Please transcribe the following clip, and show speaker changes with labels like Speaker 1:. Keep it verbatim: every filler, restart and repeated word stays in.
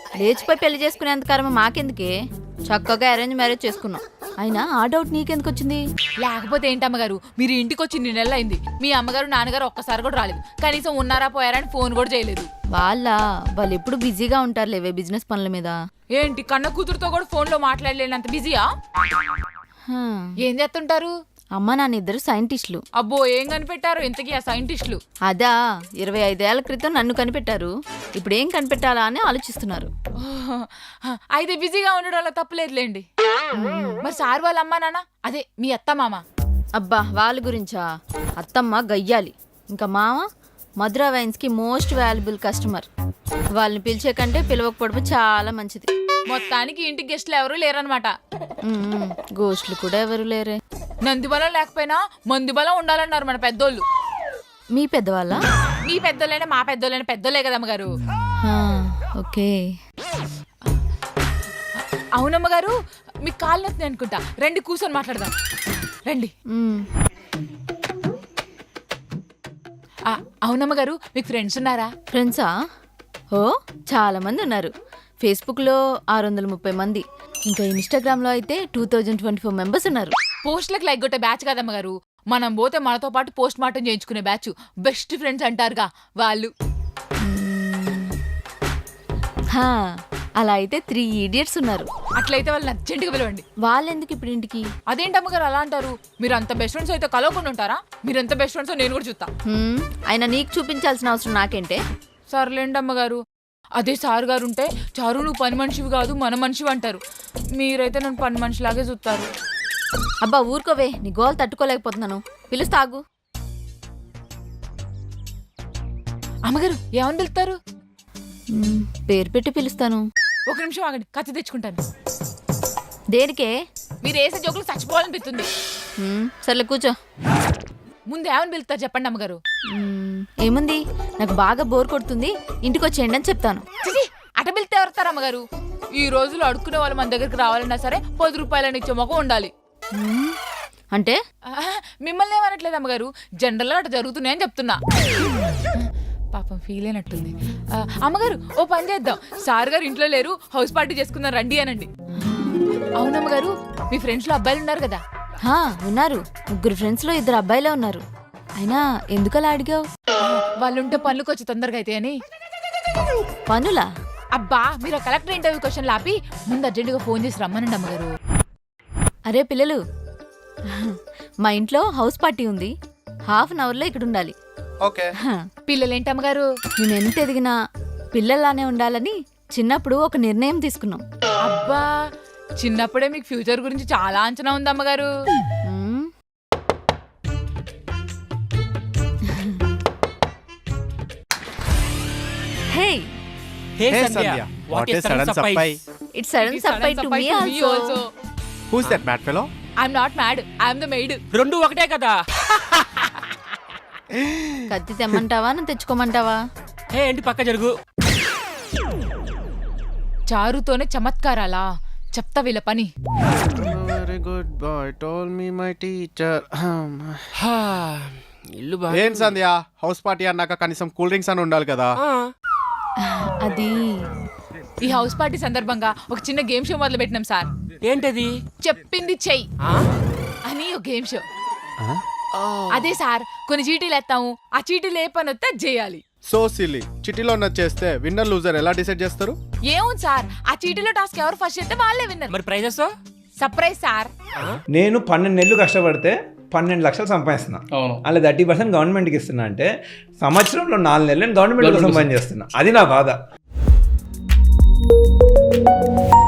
Speaker 1: లేచిపోయి పెళ్లి చేసుకునేంత కర్మ మాకెందుకే, చక్కగా అరేంజ్ మ్యారేజ్ చేసుకున్నాం. అయినా ఆ డౌట్ నీకెందుకు వచ్చింది?
Speaker 2: లేకపోతే ఏంటి అమ్మగారు, మీరు ఇంటికి వచ్చి ఇన్ని నెలలు అయింది, మీ అమ్మగారు నాన్నగారు ఒక్కసారి కూడా రాలేదు, కనీసం ఉన్నారా పోయారా అని ఫోన్ కూడా చేయలేదు.
Speaker 1: వాళ్ళ వాళ్ళు ఎప్పుడు బిజీగా ఉంటారు లేవే బిజినెస్ పనుల మీద.
Speaker 2: ఏంటి కన్న కూతురుతో కూడా ఫోన్ లో మాట్లాడలేనంత బిజీయా?
Speaker 1: హ్మ్.
Speaker 2: ఏం చేస్తుంటారు?
Speaker 1: అమ్మ నాన్న ఇద్దరు సైంటిస్టులు.
Speaker 2: అబ్బో ఏం కనిపెట్టారు ఇంతకీ ఆ సైంటిస్టులు?
Speaker 1: అదా ఇరవై ఐదేళ్ల క్రితం నన్ను కనిపెట్టారు, ఇప్పుడు ఏం కనిపెట్టాలా అని ఆలోచిస్తున్నారు.
Speaker 2: అయితే బిజీగా ఉండడం వల్ల తప్పులేదులేండి. మరి సార్ వాళ్ళ అమ్మా నాన్న, అదే మీ అత్త మామ?
Speaker 1: అబ్బా వాళ్ళ గురించా? అత్తమ్మ గయ్యాలి, ఇంకా మామ మధురా వైన్స్ కి మోస్ట్ వాల్యుబుల్ కస్టమర్. వాళ్ళని పిలిచే కంటే పిలవకపోవడం చాలా మంచిది.
Speaker 2: మొత్తానికి ఇంటికి గెస్ట్లు ఎవరు లేరనమాట.
Speaker 1: గోస్ట్లు కూడా ఎవరు లేరే.
Speaker 2: నంది బలం లేకపోయినా మంది బలం ఉండాలన్నారు మన పెద్దోళ్ళు.
Speaker 1: మీ పెద్దవాళ్ళ?
Speaker 2: మీ పెద్దోళ్ళైనా మా పెద్దోళ్ళైనా పెద్దోళ్ళే కదమ్మగారు.
Speaker 1: ఓకే.
Speaker 2: అవునమ్మగారు, మీకు కాళ్ళు నొప్పి అనుకుంటా, రండి కూర్చొని మాట్లాడదాం రండి. అవునమ్మగారు, మీకు ఫ్రెండ్స్ ఉన్నారా?
Speaker 1: ఫ్రెండ్సా? ఓ చాలా మంది ఉన్నారు. ఫేస్బుక్లో ఆరు వందల ముప్పై మంది, ఇంకా ఇన్స్టాగ్రామ్లో అయితే two thousand twenty four members ఉన్నారు.
Speaker 2: పోస్ట్లకు లైక్ కొట్టే బ్యాచ్ కదమ్మగారు, మనం పోతే మనతో పాటు పోస్ట్ మార్టం చేయించుకునే బ్యాచ్, బెస్ట్ ఫ్రెండ్స్ అంటారుగా వాళ్ళు.
Speaker 1: అలా అయితే త్రీ ఇడియట్స్ ఉన్నారు.
Speaker 2: అట్లయితే వాళ్ళని అర్జెంట్గా పిలవండి.
Speaker 1: వాళ్ళెందుకు ఇప్పుడు ఇంటికి?
Speaker 2: అదేంటమ్మగారు అలా అంటారు? మీరు అంత బెస్ట్ ఫ్రెండ్స్ అయితే కలవకుండా ఉంటారా? మీరు ఎంత బెస్ట్ ఫ్రెండ్స్ నేను కూడా చూస్తా.
Speaker 1: ఆయన నీకు చూపించాల్సిన అవసరం నాకేంటే?
Speaker 2: సర్లేండి అమ్మగారు. అదే సార్ గారు ఉంటే, చారు నువ్వు పని మనిషివి కాదు మన మనిషివి అంటారు. మీరైతే నన్ను పని మనిషిలాగే చూస్తారు.
Speaker 1: అబ్బా ఊరుకోవే, నీ గోల్ తట్టుకోలేకపోతున్నాను. పిలుస్తాగు.
Speaker 2: అమ్మగారు ఏమని పిలుస్తారు?
Speaker 1: పేరు పెట్టి పిలుస్తాను.
Speaker 2: ఒక నిమిషం ఆగండి, కత్తి తెచ్చుకుంటాను.
Speaker 1: దేనికే?
Speaker 2: మీరు వేసే జోకులు చచ్చిపోవాలనిపిస్తుంది.
Speaker 1: సర్లే కూర్చో.
Speaker 2: ముందు ఏమని పిలుస్తారు చెప్పండి అమ్మగారు.
Speaker 1: ఏముంది, నాకు బాగా బోర్ కొడుతుంది, ఇంటికి వచ్చేయండి అని చెప్తాను.
Speaker 2: అట పిలితే ఎవరుతారు అమ్మగారు? ఈ రోజులు అడుక్కునే వాళ్ళు మన దగ్గరికి రావాలన్నా సరే పది రూపాయలని ఇచ్చే మొక్క ఉండాలి.
Speaker 1: అంటే
Speaker 2: మిమ్మల్ని ఏమనట్లేదు అమ్మగారు, జనరల్ గా అటు జరుగుతున్నాయని చెప్తున్నా. పాపం ఫీల్ అయినట్టుంది. అమ్మగారు ఓ పని చేద్దాం, సార్ గారు ఇంట్లో లేరు, హౌస్ పార్టీ చేసుకుందాం రండి అనండి. అవునమ్మగారు, మీ ఫ్రెండ్స్ లో అబ్బాయిలు ఉన్నారు కదా?
Speaker 1: ఉన్నారు, ముగ్గురు ఫ్రెండ్స్ లో ఇద్దరు అబ్బాయిలే ఉన్నారు. అయినా ఎందుకలా అడిగావు?
Speaker 2: వాళ్ళుంటే పనులకు వచ్చి తొందరగా అయితే అని.
Speaker 1: పనులా?
Speaker 2: అబ్బా మీరు కలెక్టర్ ఇంటర్వ్యూ క్వశ్చన్ ఆపి ముందు అర్జెంటుగా ఫోన్ చేసి రమ్మనండి అమ్మగారు.
Speaker 1: అరే పిల్లలు, మా ఇంట్లో హౌస్ పార్టీ ఉంది, హాఫ్ అన్ అవర్ లో ఇక్కడ ఉండాలి.
Speaker 2: పిల్లలేంటి అమ్మగారు?
Speaker 1: మేము ఎంత ఎదిగినా పిల్లల్లానే ఉండాలని చిన్నప్పుడు ఒక నిర్ణయం తీసుకున్నాం.
Speaker 2: అబ్బా చిన్నప్పుడే మీకు ఫ్యూచర్ గురించి చాలా అంచనా ఉంది అమ్మగారు.
Speaker 1: Hey.
Speaker 3: Hey Sandhya, what a sudden surprise.
Speaker 1: It's sudden surprise to me also.
Speaker 3: Who's that mad fellow?
Speaker 2: I'm not mad, I'm the maid.
Speaker 4: రెండు ఒకటే కదా.
Speaker 1: కత్తి తెమ్మంటావా నువ్వు తెచ్చుకోమంటావా?
Speaker 4: హే ఏంటి పక్క జరుగు.
Speaker 2: చారుతోనే చమత్కారాలా? చెప్తా వీళ్ళ పని.
Speaker 3: Very good boy told me my teacher.
Speaker 4: ఇల్లు బా.
Speaker 3: ఏం సంధ్య, హౌస్ పార్టీ అన్నాక కనీసం కూల్ డ్రింక్స్ అని ఉండాలి కదా.
Speaker 1: అది
Speaker 2: ఈ హౌస్ పార్టీ సందర్భంగా ఒక చిన్న గేమ్ షో మొదలు పెట్టినాం సార్.
Speaker 4: ఏంటది?
Speaker 2: చెప్పింది చెయ్యి అని ఒక గేమ్ షో. అదే సార్, కొన్ని చీటీలు ఎత్తాము, ఆ చీటీలు ఏ పని వస్తే చేయాలి.
Speaker 3: సో సిల్లీ, చిటీలో చేస్తే విన్నర్ లూజర్ ఎలా డిసైడ్ చేస్తారు?
Speaker 2: ఏముంది సార్, ఆ చీటీలో టాస్క్ ఎవరు ఫస్ట్ చేస్తే వాళ్ళే విన్నర్.
Speaker 4: మరి ప్రైజెస్?
Speaker 2: Surprise sir.
Speaker 5: నేను పన్నెండు నెలలు కష్టపడితే పన్నెండు లక్షలు సంపాదిస్తున్నా, అలా థర్టీ పర్సెంట్ గవర్నమెంట్కి ఇస్తున్నా. అంటే సంవత్సరంలో నాలుగు నెలలు నేను గవర్నమెంట్ కోసం పని చేస్తున్నా. అది నా బాధ.